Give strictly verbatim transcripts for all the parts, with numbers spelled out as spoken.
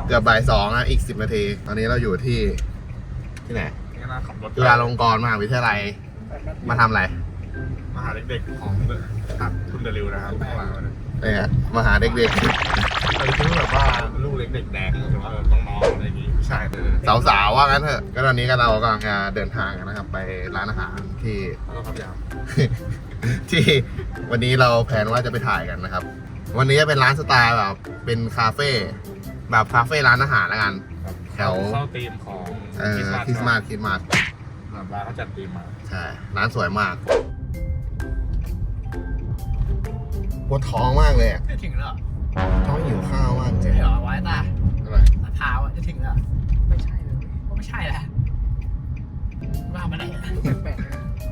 เกือบบ่ายสองนะอีกสิบนาทีตอนนี้เราอยู่ที่ที่ไหนจุฬาลงกรณ์มหาวิทยาลัยมาทำอะไรมาหาเด็กๆของทุนเดลิวนะครับข้างหลังเนี่ยมาหาเด็กๆเราคิดว่าแบบว่าลูกเล็กเด็กแดงหรือว่าต้องน้องอะไรอย่างงี้ใช่สาวๆว่างั้นเถอะก็ตอนนี้ก็เรากำลังจะเดินทางกันนะครับไปร้านอาหารที่เราทำยาวที่วันนี้เราแผนว่าจะไปถ่ายกันนะครับวันนี้จะเป็นร้านสไตล์แบบเป็นคาเฟ่แบบคาเฟ่ร้านอาหารแล้วกันแถวเข้าธีมของคริสต์มาสคริสต์มาสร้านเขาจัดธีมมาใช่ร้านสวยมากปวดท้องมากเลยอ่ะจะถึงแล้วท้องหิวข้าวมากจะเหรอไว้ตาอะไรตาเท้าอ่ะจะถึงแล้วไม่ใช่เลยก็ไม่ใช่แหละว่ามาได้แปลก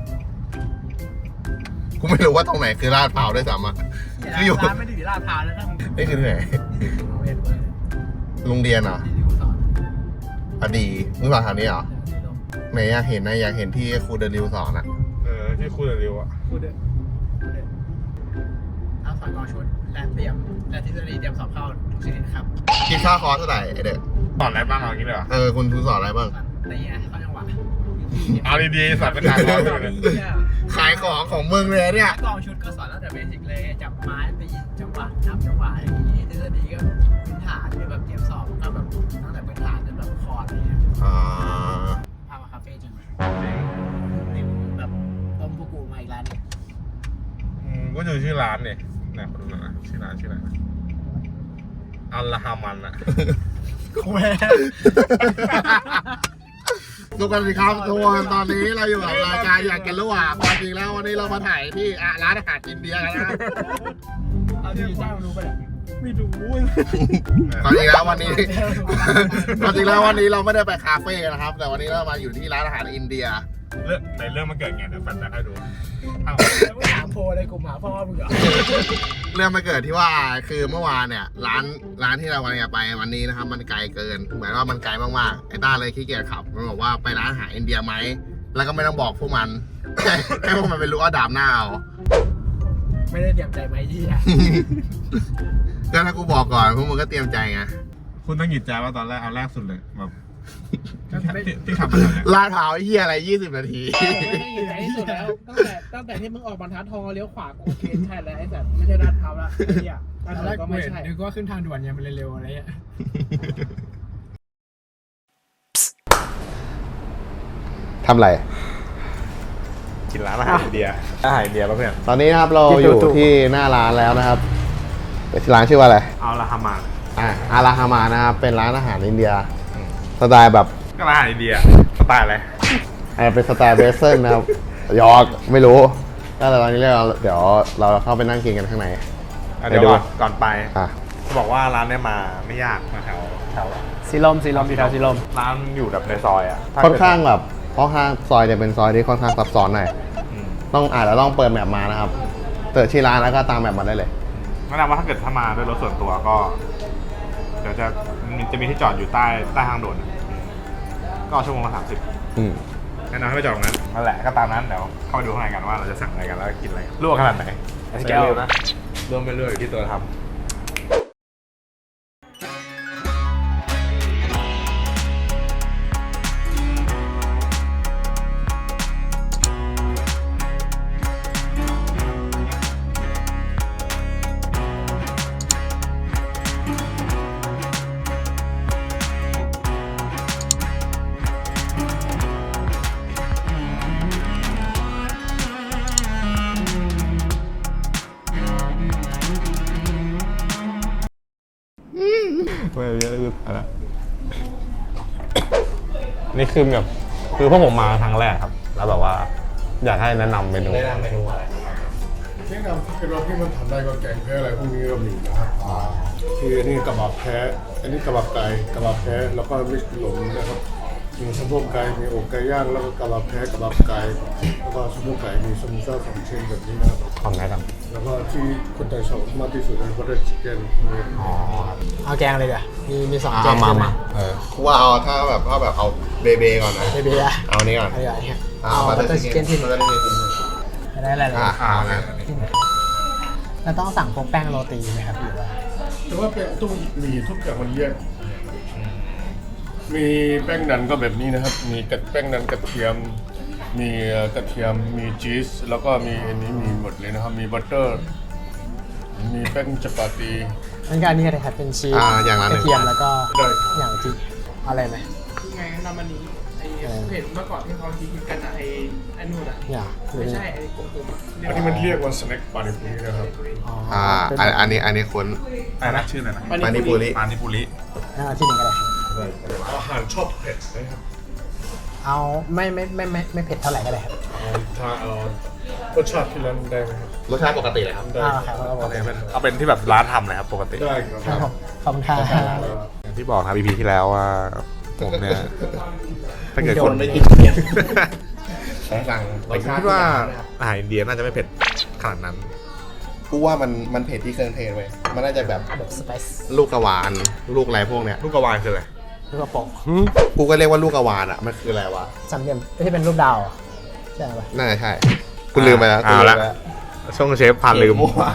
กูไม่รู้ว่าตรงไหนคือลาดพร้าวด้วยซ้ำอ่ะคืออยู่ร้านไม่ได้อยู่ลาดพร้าวแล้วนะนี่คือที่ไหนโรงเรียนเหรออดีมึงสอนทางนี้เหรอไหนอยากเห็นนะอยากเห็นที่ครูเดลิวสอนอ่ะเออที่ครูเดลิวอ่ะครูเดลิวเอาสอนกองชุดและเตรียมและทฤษฎีเตรียมสอบเข้าทุกชนิดครับคิดค่าคอร์สเท่าไหร่ไอเด็กสอนอะไรบ้างเอางี้เลยเหรอเออคุณครูสอนอะไรบ้างตีไงเข้าจังหวะเอาดีๆสอนเป็นการสอนเลยขายของของมึงเลยเนี่ยกองชุดก็สอนตั้งแต่เบสิกเลยจับไม้ตีจังหวะนับจังหวะอย่างนี้ทฤษฎีก็พื้นฐานแบบเตรียมสอบก็แบบตั้งแต่พื้นฐานจนแบบคอร์ดอะไรเงี้ยอ่าพามาคาเฟ่จริงนี่แบบต้มผู้กูมาอีกร้านนึงก็อยู่ชื่อร้านเนี่ยนะคนดูนะชื่อร้านชื่ออะไรอัลลาฮามันอะคุยทุกคนสิครับทุกคนตอนนี้เราอยู่กับรายการอยากกินระหว่างความจริงแล้ววันนี้เรามาถ่ายที่ร้านอาหารอินเดียกันนะเอาดีจ้ารู้ไปเนี่ยไม่รู้ความจริงแล้ววันนี้ความจริงแล้ววันนี้เราไม่ได้ไปคาเฟ่นะครับแต่วันนี้เรามาอยู่ที่ร้านอาหารอินเดียเรื่องในเรื่องมันเกิดไงเดี๋ยวฟันจะให้ดูแล้วไม่ถามโพเลยกูหาพ่อมึงเหรอเรื่องมันเกิดที่ว่าคือเมื่อวานเนี่ยร้านร้านที่เราวันนี้ไปวันนี้นะครับมันไกลเกินเหมือนว่ามันไกลมากๆไอ้ต้าเลยขี้เกียจขับมันบอกว่าไปร้านอาหารอินเดียไหมแล้วก็ไม่ต้องบอกพวกมันให้พวกมันไปรู้ว่าดามหน้าเอาไม่ได้เตรียมใจไหมที่อ่ะก็ถ้ากูบอกก่อนพวกมึงก็เตรียมใจไงคุณต้องหยิบใจว่าตอนแรกเอาแรกสุดเลยแบบที่ขับมาเนี่ยลาดพร้าวเฮียอะไรยี่สิบนาทีไม่ได้อยู่ไหนที่สุดแล้วตั้งแต่ตั้งแต่ที่มึงออกบรรทัดทองเลี้ยวขวาโอเคใช่แล้วไอ้สัตว์ไม่ใช่ลาดพร้าวละไอ้เหี้ยตอนแรกก็ไม่ใช่นึกว่าขึ้นทางด่วนเนี่ยมันเร็วๆอะไรเงี้ยทำไรกินร้านอาหารอินเดียอาหารอินเดียป่ะเพื่อนตอนนี้นะครับเราอยู่ที่หน้าร้านแล้วนะครับร้านชื่อว่าอะไรอัลลาฮามาอ่าอัลลาฮามานะครับเป็นร้านอาหารอินเดียสไตล์แบบก็ร้านอาหารอินเดียสไตล์อะไรเป็นสไตล์เบสเซิลนะครับยอร์กไม่รู้ก็ตอนนี้เราเดี๋ยวเราเข้าไปนั่งกินกันข้างในเดี๋ยวก่อนไปจะบอกว่าร้านนี้มาไม่ยากมาแถวแถวสีลมสีลมที่แถวสีลมร้านอยู่แบบในซอยอ่ะค่อนข้างแบบค่อนข้างซอยจะเป็นซอยที่ค่อนข้างซับซ้อนหน่อยต้องอ่านแล้วต้องเปิดแมปมานะครับเปิดชื่อร้านแล้วก็ตามแมปมาได้เลยแนะนำว่าถ้าเกิดถ้ามาด้วยรถส่วนตัวก็เดี๋ยวจะจะมีที่จอดอยู่ใต้ใต้ทางด่วนก็ชั่วโมงละสามสิบแนะนำให้ไปจอดตรงนั้นนั่นแหละก็ตามนั้นเดี๋ยวเข้าไปดูข้างในกันว่าเราจะสั่งอะไรกันแล้วกินอะไรลวกขนาดไหนแก้วนะรวมไปเรื่อยอยู่ที่ตัวทำไม่เยอะคืออะไรนี่คือแบบคือพวกผมมาครั้งแรกครับแล้วแบบว่าอยากให้แนะนำเมนูแนะนำเมนูอะไรแนะนำที่เป็นรสที่มันทำได้ก็แกงแพ้อะไรพวกนี้ก็มีนะครับคืออันนี้กระบะแพ้อันนี้กระบะไก่กระบะแพ้แล้วก็มิกซ์หลงนะครับมีสะโพกไก่มีอกไก่ย่างแล้วก็กระบะแพ้กระบะไก่แล้วก็สะโพกไก่มีสมูซ่าสองชิ้นแบบนี้นะครับทำไงครับแล้วก็ที่คนไทยชอบมากที่สุดคือบัตเตอร์ชิคเก้นอ๋อเอาแกงเลยเดี๋ยวมีมีสองแกงมามาเออว่าเอาถ้าแบบถ้าแบบเอาเบเบก่อนนะเบเบอะเอานี้ก่อนเอาบัตเตอร์ชิคเก้นที่ได้อะไรเลยอ่านะเราต้องสั่งพวกแป้งโรตีไหมครับหรือว่าแต่ว่าเป็นต้องมีทุกอย่างมันแยกมีแป้งนันก็แบบนี้นะครับ มีกระแป้งนันกระเทียม มีกระเทียม มีชีส แล้วก็มีอันนี้มีหมดเลยนะครับ มีบัตเตอร์ มีแป้งจัปาตีงั้นก็อันนี้ก็ได้ครับเป็นชีสอ่าอย่างละหกนึ่ระงเทียมแล้วก็ได้อย่างที่อะไรไหมไงนำมันนี้ไอ้เห็นเมื่อก่อนที่เขาคิดกันอะไอ้ไอ้นู่นอะอย่างไม่ใช่ไอ้กลมๆอะอันนี้มันเรียกว่าสแน็คปานิปุรินะครับอ๋ออ่าเป็นอันอันนี้อันนี้คุ้นอะไรนะชื่ออะไรนะปานิปุริปานิปุริงั้นเอาที่หนึ่งก็ได้อาหารชอบเผ็ดนะครับเอาไม่ไม่ไม่ไม่ไม่เผ็ดเท่าไหร่ก็ได้ครับเอาถ้าเอารสชาติที่ร้านได้ไหมครับรสชาติปกติเลยครับได้อ่าคครัรับบเอาเอาเป็นเอาเป็นที่แบบร้านทำเลยครับปกติได้ครับผมขอบคุณครับอย่างที่บอกครับ อี พี ที่แล้วว่าผมเนี่ยถ้าเกิดคนไม่กินเผ็ดสั่งผมคิดว่าอาหารอินเดียน่าจะไม่เผ็ดขนาดนั้นกูว่ามันมันเผ็ดที่เครื่องเทศเว้ยมันน่าจะแบบแบบสไปซ์ลูกกระวานลูกอะไรพวกเนี้ยลูกกระวานคืออะไรลูกกระโปงกูก็เรียกว่าลูกกระวานอ่ะมันคืออะไรวะสามเหลี่ยมที่เป็นรูปดาวอะใช่ไหมน่าจะใช่กูลืมไปแล้วกูอ่าลืมละไปแล้วช่วงเชฟผ่านลืมมั่ว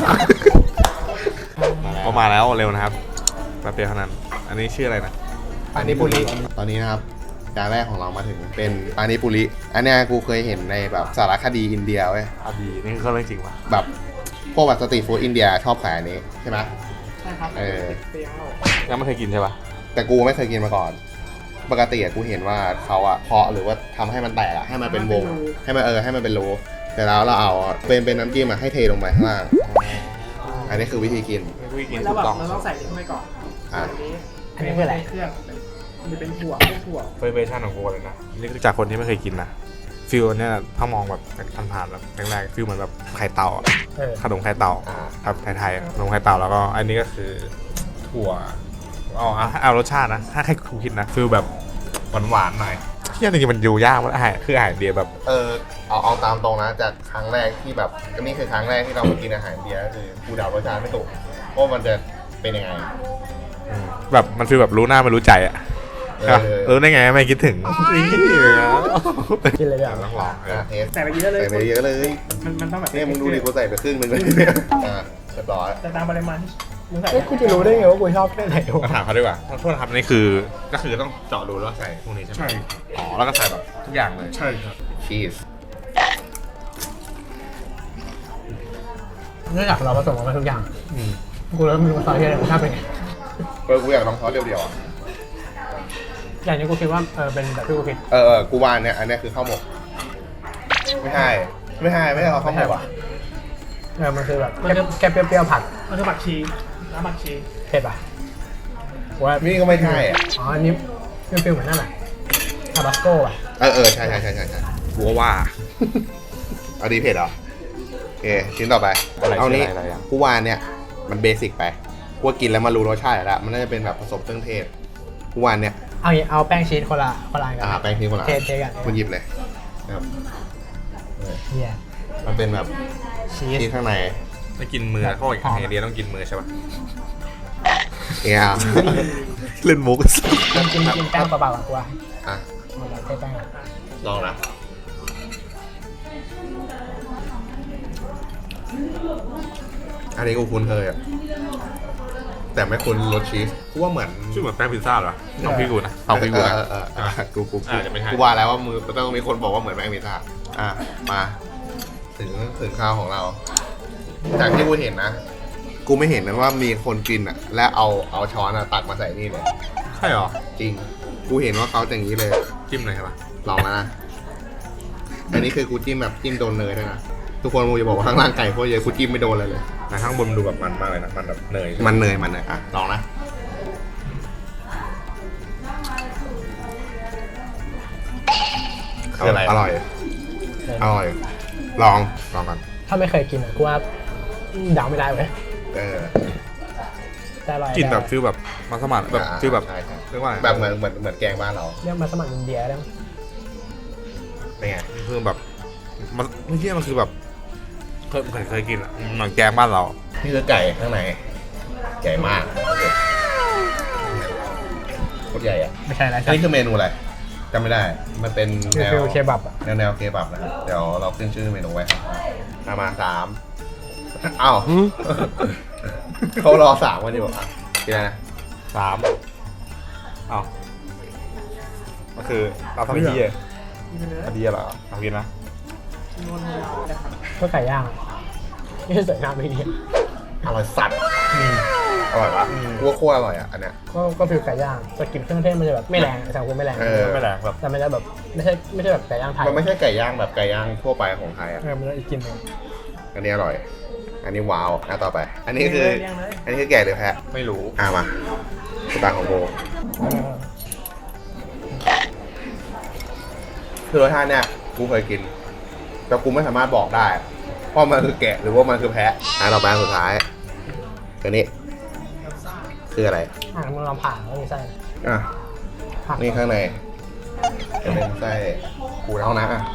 ก็มาแล้วเร็วนะครับแป๊บเดียวเท่านั้น อันนี้ชื่ออะไรนะปานิปุริตอนนี้นะครับจานแรกของเรามาถึงเป็นปานิปุริอันเนี้ยกูเคยเห็นในแบบสารคดีอินเดียเว้ยอาบีนี่คือเรื่องจริงปะแบบพวกแบบสตรีทฟู้ดอินเดียชอบขายอันนี้ใช่ไหมใช่ครับเออเปรี้ยวยังไม่เคยกินใช่ปะแต่กูไม่เคยกินมาก่อน ปกติอะกูเห็นว่าเขาอะเพาะหรือว่าทำให้มันแตกอะให้มันเป็นวง ให้มันเออให้มันเป็นโลแต่แล้วเราเอาเป็นเป็นน้ำจิ้มอะให้เทลงไปข้างล่าง อันนี้คือวิธีกินไม่เคยกินแล้วถูแบบกต้องเราต้องใส่นี่เข้าไปก่อนอ่ะอันนี้อันนี้คืออะไรเครื่องมันจะเป็นถั่วพวกถั่วเวอร์ชันของกูเลยนะนี่คือจากคนที่ไม่เคยกินนะฟิลเนี่ยถ้ามองแบบผ่านๆแบบแรกๆฟิลเหมือนแบบไข่เต่าอะเออขนมไข่เต่าอ่าครับไทยๆอะขนมไข่เต่าแล้วก็อันนี้ก็คือถั่วเอาเอาเอารสชาตินะถ้าใครคูคิดนะฟิลแบบหวานๆหน่อยที่จริงๆมันดูยากมันอาหารคืออาหารอินเดียแบบเออเอาเอาตามตรงนะจากครั้งแรกที่แบบก็นี่คือครั้งแรกที่เรามากินอาหารอินเดียก็คือกูเดารสชาติไม่ถูกว่ามันจะเป็นยังไงแบบมันฟีลแบบรู้หน้าไม่รู้ใจอ่ะเอใช่ปะอรู้ได้ไงไม่คิดถึงกินเลยเดี๋ยวต้องลองอ่ะเทสใส่ไปเยอะเลยใส่ไปเยอะเลยมันมันต้องแบบเนี่ยมึงดูดิกูใส่ไปครึ่งหนึงเลยอ่ะเรียบร้อยแต่ตามปริมาณที่มึงใส่เอ้ยกูจะรู้ได้ไงว่ากูชอบแค่ไหนวะมาถามเขาดีกว่าโทษนะครับนี่คือก็คือต้องเจาะรูแล้วใส่พวกนี้ใช่ไหมใช่อ๋อแล้วก็ใส่แบบทุกอย่างเลยใช่ครับชีสเนื่องจากเราผสมกันมาทุกอย่างกูเริ่มรู้ว่าซอสที่อะไรมันชอบเป็นไงเออกูอยากลองซอสเดียวๆอ่ะอย่างนี้กูคิดว่าเออเป็นแบบที่กูคิดเออเออกูว่าอันเนี่ยอันเนี้ยคือข้าวหมก ไม่ใช่ไม่ใช่ไม่ใช่ข้าวหมกอ่ะเออมันคือแบบแค่เปรี้ยวๆผัดมันคือผักชีน้ำผักชีเผ็ดป่ะว่านี่ก็ไม่ใช่อ่ะอ๋ออันนี้เป็นฟิลเหมือนนั่นแหละทาบาสโก้ป่ะเออเออใช่ใช่ใช่ใช่ใช่กูก็ว่าเอาดีเผ็ดเหรอโอเคชิ้นต่อไปอะไรเอานี้อะไรอะไรอ่ะกูว่าเนี่ยมันเบสิกไปกูว่ากินแล้วมารู้รสชาติแล้วมันน่าจะเป็นแบบผสมเครื่องเทศกูว่าเนี่ยเอาอย่างเอาแป้งชีสคนละคนละอันกัอ่าแป้งที่คนละเทเทกันคุณหยิบเลยนะครับเฮียมันเป็นแบบชีสที่ข้างในไม่กินมือเขาบอกอาหารอินเดียต้องกินมือใช่ปะเนี่ยเล่นมุกกินกินกินแป้งเปล่าๆก่อนกูว่าอ่ะหมดแล้วเทแป้งก่อนลองนะอันนี้กูคุ้นเคยอ่ะแต่ไม่คุ้นรสชีสกูว่าเหมือนชื่อเหมือนแป้งพิซซ่าเหรอต้องพี่กูนะต้องพี่กูนะเออเออเออเออกูกูกูอาจจะไม่ใช่กูว่าแล้วว่ามือต้องมีคนบอกว่าเหมือนแมงมิซ่าอ่ะมาถึงถึงข้าวของเรา จากที่กูเห็นนะ กูไม่เห็นนะว่ามีคนกินอ่ะ และเอาเอาช้อนอ่ะตักมาใส่นี่เลยใช่เหรอจริง กูเห็นว่าเขาอย่างนี้เลยจิ้มเลยใช่ปะลองแล้วนะ อันนี้คือกูจิ้มแบบจิ้มโดนเนยด้วยนะ ทุกคนกูจะบอกว่าข้างล่างไก่โคตรเยอะกูจิ้มไม่โดนเลยเลยนะข้างบนมันดูแบบมันมากเลยนะมันแบบเนยมันเนยมันเนยอ่ะลองนะคืออะไรอร่อย อร่อย ลองลองกันถ้าไม่เคยกินอ่ะกูว่าเดาไม่ได้เว้ยเออแต่อร่อยกินแบบฟิลแบบมัสมั่นแบบอ่าฟิลแบบใช่ใช่เรียกว่าอะไรแบบเหมือนเหมือนเหมือนแกงบ้านเราเรียกมาสมัครอินเดียได้ไหมเป็นไงคือแบบมันไม่ใช่มันคือแบบเคยเคยเคยกินอ่ะเหมือนแกงบ้านเรานี่คือไก่ข้างในใหญ่มากโคตรใหญ่อะไม่ใช่อะไรอันนี้คือเมนูอะไรจำไม่ได้ มันเป็นคือแนวฟิลเคบับอ่ะแนวแนวเคบับนะครับเดี๋ยวเราขึ้นชื่อเมนูไว้ครับมามาสามอ้าว เขารอสามกันอยู่อ่ะกินอะไรนะสามเอาก็คือเราทำที่กินไปเลยพอดีเหรอเอากินนะนวลเรานะครับก็ไก่ย่างไม่ใส่น้ำไม่ดีอร่อยสัตว์อร่อยปะกูว่าโคตรอร่อยอ่ะอันเนี้ยก็ก็ฟิลไก่ย่างแต่กลิ่นเครื่องเทศมันจะแบบไม่แรงแต่กูไม่แรงเออไม่แรงแบบแต่มันจะแบบไม่ใช่ไม่ใช่แบบไก่ย่างไทยมันไม่ใช่ไก่ย่างแบบไก่ย่างทั่วไปของไทยอ่ะเออมันจะอีกกลิ่นหนึงอันนี้อร่อย อันนี้ว้าวอ่ะต่อไป อันนี้คือเลี้ยงเลยอันนี้คือแก่หรือแพะไม่รู้อ่ะมาสตางค์ของโบคือรสชาติเนี่ยกูเคยกิน แต่กูไม่สามารถบอกได้ว่ามันคือแกะหรือว่ามันคือแพะอ่ะต่อไปอันสุดท้ายอันนี้ คืออะไรอ่ะมึงลองผ่าแล้วมีไส้อ่ะผักนี่ข้างในจะเป็นไส้กูเท่านะอ่ะ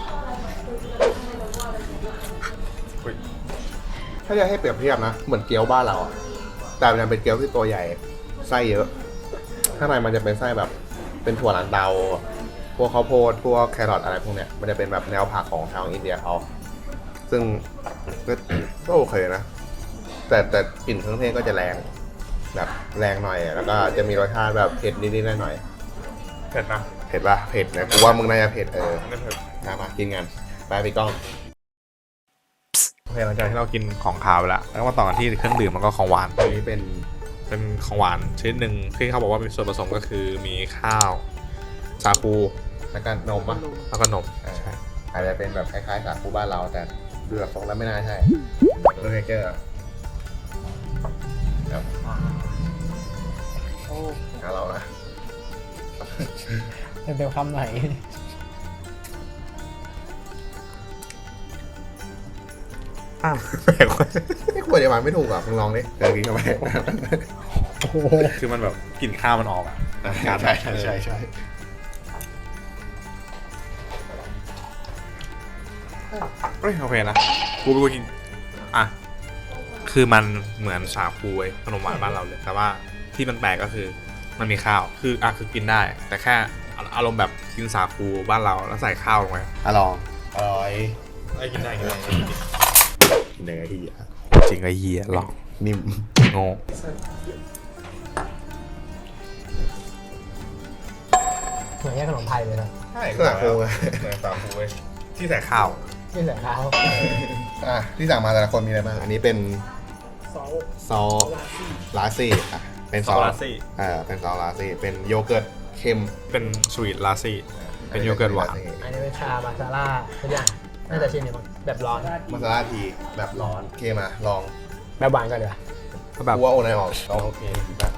อุ๊ยถ้าจะให้เปรียบเทียบนะ เหมือนเกี๊ยวบ้านเราอะแต่มันเป็นเกี๊ยวที่ตัวใหญ่ ไส้เยอะ ข้างในมันจะเป็นไส้แบบ เป็นถั่วลันเตา พวกข้าวโพด พวกแครอทอะไรพวกเนี้ย มันจะเป็นแบบแนวผักของทางอินเดียเขา ซึ่งก็ก็โอเคนะ แต่แต่กลิ่นเครื่องเทศก็จะแรง แบบแรงหน่อย แล้วก็จะมีรสชาติแบบเผ็ดนิดๆหน่อยเผ็ดนะๆเผ็ดป่ะ เผ็ดนะ กูว่ามึงน่าจะเผ็ดเออไม่เผ็ดมามากินกันไปพี่ก้องโอเคหลังจากที่เรากินของคาวไปแล้วแล้วก็มาต่อกันที่เครื่องดื่มแล้วก็ของหวานอันนี้เป็นเป็นของหวานชนิดหนึ่งที่เขาบอกว่ามีส่วนผสมก็คือมีข้าวสาคูแล้วก็นมป่ะแล้วก็นมใช่อาจจะเป็นแบบคล้ายๆสาคูบ้านเรา แต่ดูแบบทรงแล้วไม่น่าใช่โรเกอร์ครับโอ้เอาเรานะเต็มๆคำหน่อยอ้าวแปลกเว้ยไม่ควรจะมาไม่ถูกอ่ะมึงลองดิเจอกินเข้าไปคือมันแบบกลิ่นข้าวมันออกอะใช่ใช่ใช่ใช่เฮ้ยโอเคนะกูเป็นคนกินอ่ะคือมันเหมือนสาคูไอ้ขนมหวานบ้านเราเลย แต่ว่าที่มันแปลกก็คือมันมีข้าวคืออ่ะคือกินได้ แต่แค่อารมณ์แบบกินสาคูบ้านเราแล้วใส่ข้าวลงไปอร่อยอร่อยไอ้กินได้กินได้กินเนื้อที่อ่ะจริงไอ้เหี้ยหรอกนิ่มโง่เหมือนแค่ขนมไทยเลยนะใช่ก็สาคูไงเหมือนสาคูเว้ยที่ใส่ข้าวที่ใส่ข้าวอ่ะที่สั่งมาแต่ละคนมีอะไรบ้างอันนี้เป็นซอสซอสลาซี่ลาซี่อ่ะเป็นซอสอ่าเป็นซอสลาซี่เป็นโยเกิร์ตเค็มเป็นสวีทลาซี่เป็นโยเกิร์ตหวานอันนี้เป็นชามาซาล่าทุกอย่างน่าจะชิมเนี่ยมั้งแบบร้อนมาซาลาทีแบบร้อนโอเคมาลองแบบหวานก่อนเดี๋ยวาก็แบบกูว่าโอนายออกลองโอเคดีป่ะ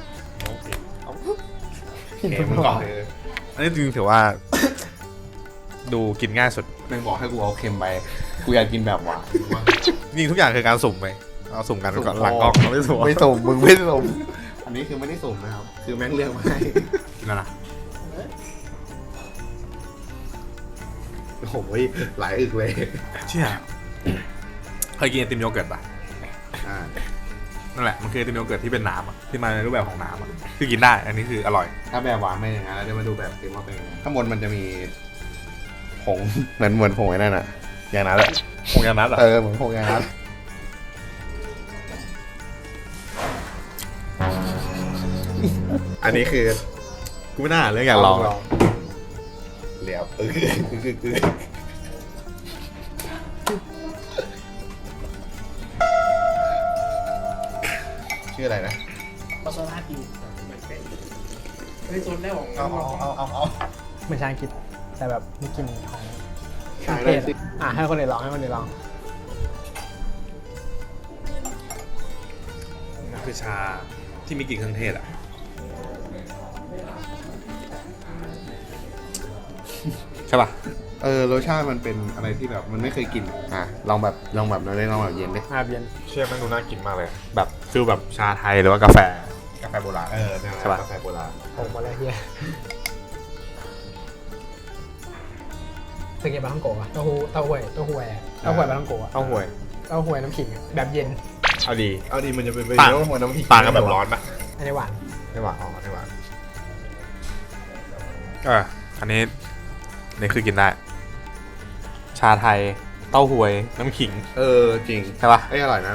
กินเค็ทุมกก่อนอันนี้จริงๆถือว่า ดูกินง่ายสุดแม่งบอกให้กูเอาเค็มไปกูอยากกินแบบหวานจริงๆทุกอย่างคือการสุ่มไปเอาสุ่มกันก่อนหลังกล้องเราไม่สุ่มไม่สุ่มมึงไม่สุ่มอันนี้คือไม่ได้สุ่มนะครับคือแม่งเลือกมาให้กินแล้วนะโอ้โหหลายอึกเลยเชี่ยเคยกินไอติมโยเกิร์ตป่ะอ่านั่นแหละมันคือไอติมโยเกิร์ตที่เป็นน้ำอะที่มาในรูปแบบของน้ำอะคือกินได้อันนี้คืออร่อยถ้าแบบหวานไม่อย่างนั้นแล้วเดี๋ยวมาดูแบบเค็มว่าเป็นยังไงข้างบนมันจะมีผงเหมือนเหมือนผงไอ้นั่นอ่ะอย่างนั้นแหละคงอย่างนั้นเหรอเออเหมือนผงอย่างนั้นอันนี้คือกูไม่น่าเรื่องอยากลองอะเหลียวเออคือคือคือชื่ออะไรนะมาซาลาดีในโซนแรกของเอาเอาเอาเอาเหมือนชาอังกฤษแต่แบบมีกลิ่นของขายเทได้ศสิอ่ะให้คนอื่นลองให้คนอื่นลองมันคือชาที่มีกลิ่นเครื่องเทศอะใช่ป่ะเออรสชาติมันเป็นอะไรที่แบบมันไม่เคยกินอ่ะลองแบบลองแบบเราได้ลองแบบเย็นดิอาเบียนเชื่อมันดูน่ากินมากเลย แบบฟิลแบบชาไทยหรือว่ากาแฟกาแฟโบราณเออใช่ปะกาแฟโบราณผมหมดแล้วเฮียเคยกินปลาท่องโกะปะเต้าหู้เต้าหวยเต้าหวยอะเต้าหวยปลาท่องโกะอะเต้าหวยเต้าหวยน้ำขิงอะแบบเย็นเอาดีเอาดีมันจะเป็นไปต่างเยอะหัวน้ำพริกต่างกันแบบร้อนปะอันนี้หวานไม่หวานอ๋อไม่หวานเอออันนี้อันนี่คือกินได้ ชาไทยเต้าหวยน้ำขิงเออจริงใช่ปะเอ้ยอร่อยนะ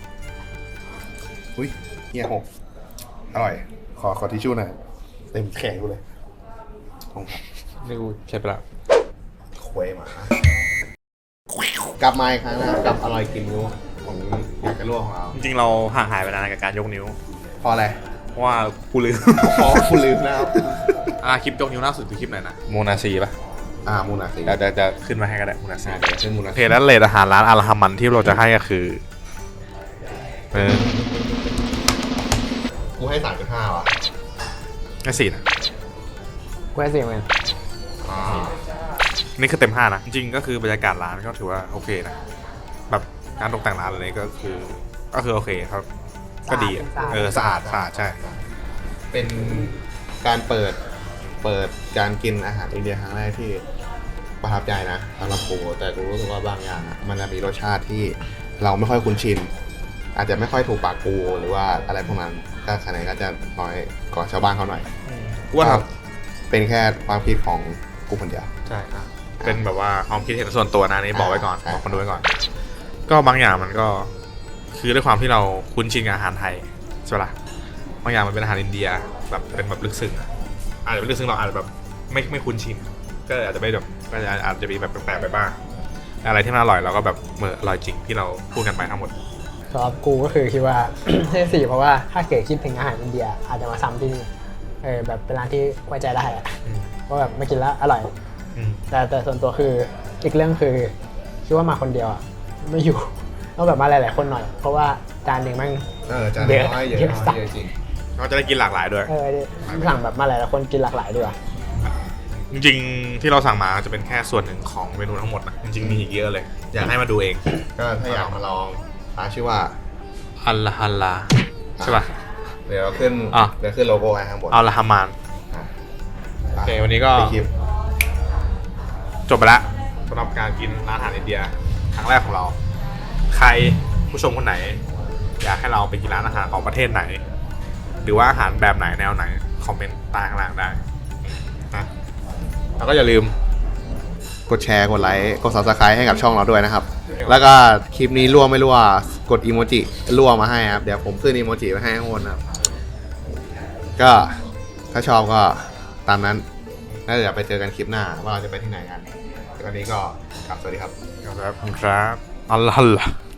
อุ้ยเฮียหกอร่อย ขอขอทิชชู่หน่อยเต็มแขนกูเลยขอบคุณครับนี่กูใช้ไปละควยหมา กลับมาอีกครั้งนะครับกับอร่อยกินนิ้วของอยากจะลวกของเราจริงๆเราห่างหายไปนานกับการยกนิ้วเพราะอะไรเพราะว่ากูลืมเพราะคุณลืมนะครับอ่าคลิปยกนิ้วล่าสุดคือคลิปไหนนะโมนาซีป่ะอ่ามูนาซีเดี๋ยวจะจะขึ้นมาให้ก็ได้โมนาซีอ่าเดี๋ยวขึ้นมูโอนาเคซีแล้วเลทอาหารร้านอาราฮามันที่เราจะให้ก็คือเออกูให้สามจุดห้าว่ะแค่สี่นะกูให้สี่เหมือนกันอ่านี่คือเต็มห้านะ จริงๆก็คือบรรยากาศร้านก็ถือว่าโอเคนะ แบบการตกแต่งร้านอะไรก็คือ ก็คือโอเคครับ ก็ดีอะเออสะอาดสะอาดใช่เป็นการเปิดเปิดการกินอาหารอินเดียครั้งแรกที่ประทับใจนะสำหรับกูแต่กูรู้สึกว่าบางอย่างอะมันจะมีรสชาติที่เราไม่ค่อยคุ้นชิน อาจจะไม่ค่อยถูกปากกูหรือว่าอะไรพวกนั้นก็คะแนนก็จะน้อยกว่าชาวบ้านเขาหน่อยว่าครับเป็นแค่ความคิดของกูคนเดียวใช่ครับเป็นแบบว่าความคิดเห็นส่วนตัวนะนี่บอกไว้ก่อนใช่บอกคนดูไว้ก่อน ก็บางอย่างมันก็คือด้วยความที่เราคุ้นชินกับอาหารไทยใช่ปะล่ะบางอย่างมันเป็นอาหารอินเดียแบบเป็นแบบลึกซึ้งอะอาจจะเป็นลึกซึ้งเราอาจจะแบบไม่ไม่คุ้นชินก็อาจจะไม่แบบก็อาจอาจจะมีแบบแปลกๆไปบ้างอะไรที่มันอร่อยเราก็แบบเมื่ออร่อยจริงที่เราพูดกันไปทั้งหมดสำหรับกูก็คือคิดว่า ให้สี่เพราะว่าถ้าเกิดคิดถึงอาหารอินเดียอาจจะมาซ้ำที่นี่เออแบบเป็นร้านที่ไว้ใจได้อะว่าแบบมากินแล้วอร่อยอืมแต่แต่ส่วนตัวคืออีกเรื่องคือคิดว่ามาคนเดียวอะไม่อยู่ ต้องแบบมาหลายๆคนหน่อย เพราะว่าจานหนึ่งแม่งเออจานเยอะน้อยเยอะเยอะน้อยสัสเยอะจริงเราจะได้กินหลากหลายด้วยเออสั่งแบบมาหลายๆคนกินหลากหลายดีกว่าจริงๆที่เราสั่งมาจะเป็นแค่ส่วนหนึ่งของเมนูทั้งหมดนะจริงๆมีอีกเยอะเลย อยากให้มาดูเองก็ถ้าอยากมาลองร้านชื่อว่าอัลลาฮัลลาใช่ป่ะเดี๋ยวเราขึ้นอ่ะเดี๋ยวขึ้นโลโก้ให้ข้างบนอัลลาฮามานอ่ะโอเควันนี้ก็ไปคลิปจบไปแล้วสำหรับการกินร้านอาหารอินเดียครั้งแรกของเรา ใครผู้ชมคนไหน อยากให้เราไปกินร้านอาหารของประเทศไหน หรือว่าอาหารแบบไหนแนวไหนคอมเมนต์ใต้ข้างล่างได้นะแล้วก็อย่าลืมกดแชร์ กดไลค์ กด ซับสไครบ์ ให้กับช่องเราด้วยนะครับ แล้วก็คลิปนี้รั่วไม่รั่ว กดอีโมจิรั่วมาให้ครับ เดี๋ยวผมขึ้นอีโมจิไว้ให้ข้างบนนะครับ ก็ถ้าชอบก็ตามนั้น แล้วเดี๋ยวไปเจอกันคลิปหน้าว่าเราจะไปที่ไหนกันวันนี้ก็กลับสวัสดีครับครับครับอัลลาฮัลลา